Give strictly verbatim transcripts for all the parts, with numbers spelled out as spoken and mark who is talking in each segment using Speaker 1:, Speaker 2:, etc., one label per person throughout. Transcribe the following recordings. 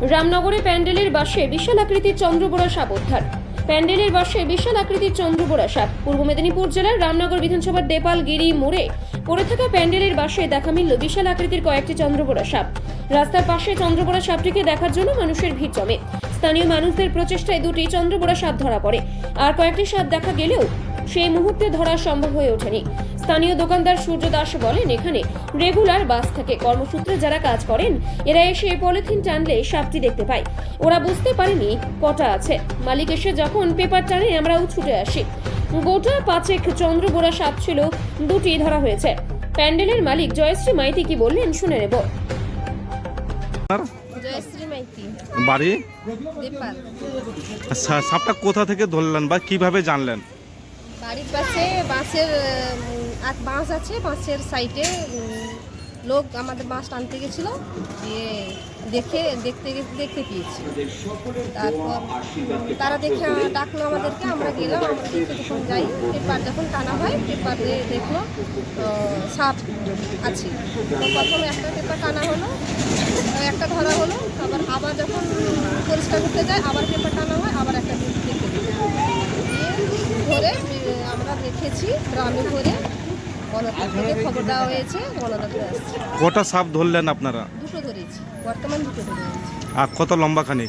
Speaker 1: রামনগরে প্যান্ডেলের বাসে বিশাল আকৃতির চন্দ্রবোরা সাপ উদ্ধার। প্যান্ডেলের বাসে বিশাল আকৃতির চন্দ্রবোরা সাপ। পূর্ব মেদিনীপুর জেলার রামনগর বিধানসভার দেপালগিরি মোড়ে পড়ে থাকা প্যান্ডেলের বাসে দেখা মিলল বিশাল আকৃতির কয়েকটি চন্দ্রবোরা সাপ। রাস্তার পাশে চন্দ্রবোরা সাপটিকে দেখার জন্য মানুষের ভিড় জমে। স্থানীয় মানুষদের প্রচেষ্টায় দুটি চন্দ্রবোরা সাপ ধরা পড়ে। আর কয়েকটি সাপ দেখা গেলেও সেই মুহূর্তে ধরা সম্ভব হয়ে ওঠেনি। স্থানীয় দোকানদার সূর্য দাস বলেন, এখানে রেগুলার বাস থাকে। কর্মসূত্রে যারা কাজ করেন এরা এসে পলিথিন টানলে সাপটি দেখতে পায়। ওরা বুঝতে পারেনি কটা আছে। মালিক এসে যখন পেপার টানে আমরাও ছুটে আসি। গোটা পাঁচেক চন্দ্রবোরা সাপ ছিল, দুটি ধরা হয়েছে। প্যান্ডেলের মালিক জয়শ্রী মাইতি কি বললেন শুনে নেব।
Speaker 2: জয়শ্রী মাইতি,
Speaker 3: বাড়ি
Speaker 2: দেপাল।
Speaker 3: আচ্ছা, সাপটা কোথা থেকে ধরলেন বা কিভাবে জানলেন?
Speaker 2: বাড়ির পাশে বাঁশের এক বাঁশ আছে, বাঁশের সাইডে লোক আমাদের বাঁশ টানতে গেছিল, দিয়ে দেখে দেখতে দেখতে পেয়েছি। তারপর তারা দেখে ডাকলো আমাদেরকে, আমরা গেলাম। আমরা দেখে যখন যাই, পেপার যখন টানা হয়, পেপারে দেখলো সাপ আছে। তো প্রথমে একটা পেপার টানা হলো, একটা ধরা হলো। আবার আবার যখন পরিষ্কার করতে যায়, আবার পেপার টানা হয়, আবার একটা দেখতে দিয়ে ধরে আমরা দেখেছি গ্রামে ধরে বনদপ্তর থেকে খবর দেওয়া হয়েছে, বনদপ্তর আসছে।
Speaker 3: কটা সাপ ধরলেন আপনারা?
Speaker 2: দুটো ধরেছি, বর্তমান দুটো ধরেছি।
Speaker 3: আর কত লম্বা খানিক?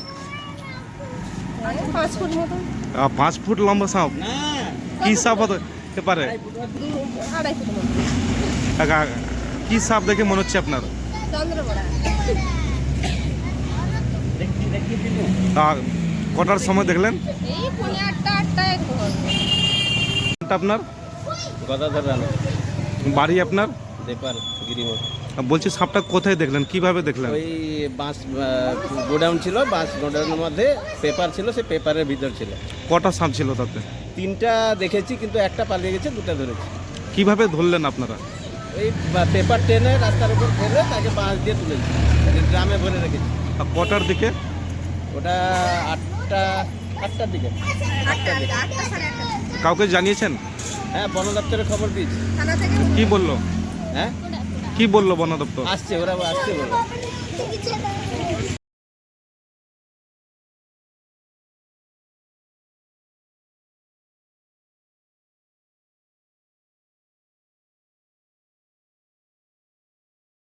Speaker 2: পাঁচ ফুট মতো।
Speaker 3: আহ, পাঁচ ফুট লম্বা সাপ? কি সাপ হতে পারে?
Speaker 2: আড়াই ফুট মতো।
Speaker 3: আহ, কি সাপ দেখে মনে হচ্ছে আপনার?
Speaker 2: চন্দ্রবোরা।
Speaker 3: আহ, কটার সময় দেখলেন?
Speaker 2: এই পৌনে আটটা আটটা এরকম হবে।
Speaker 3: আপনার
Speaker 4: গদাধর রানা,
Speaker 3: বাড়ি আপনার?
Speaker 4: দেপাল গিরিমোড়।
Speaker 3: বলছি সাপটা কোথায় দেখলেন, কিভাবে দেখলেন?
Speaker 4: ওই বাঁশ গোডাউন ছিল, বাঁশ গোডাউনের মধ্যে পেপার ছিল, সে পেপারের ভিতর ছিল।
Speaker 3: কটা সাপ ছিল তাতে?
Speaker 4: তিনটা দেখেছি, কিন্তু একটা পালিয়ে গেছে, দুটা ধরেছি।
Speaker 3: কিভাবে ধরলেন আপনারা?
Speaker 4: ওই পেপার টেনে রাস্তার উপর ফেলে তাকে বাঁশ দিয়ে তুলেছি, তাকে ড্রামে ভরে রেখেছি।
Speaker 3: আর কটার দিকে?
Speaker 4: ওটা আটটা আটটার দিকে আটটার দিকে
Speaker 3: কাউকে জানিয়েছেন?
Speaker 4: হ্যাঁ, বন দপ্তরে খবর দিয়েছি।
Speaker 3: কি বললো?
Speaker 4: হ্যাঁ,
Speaker 3: কি বললো বন দপ্তর?
Speaker 4: আসছে, ওরা আসছে বলে।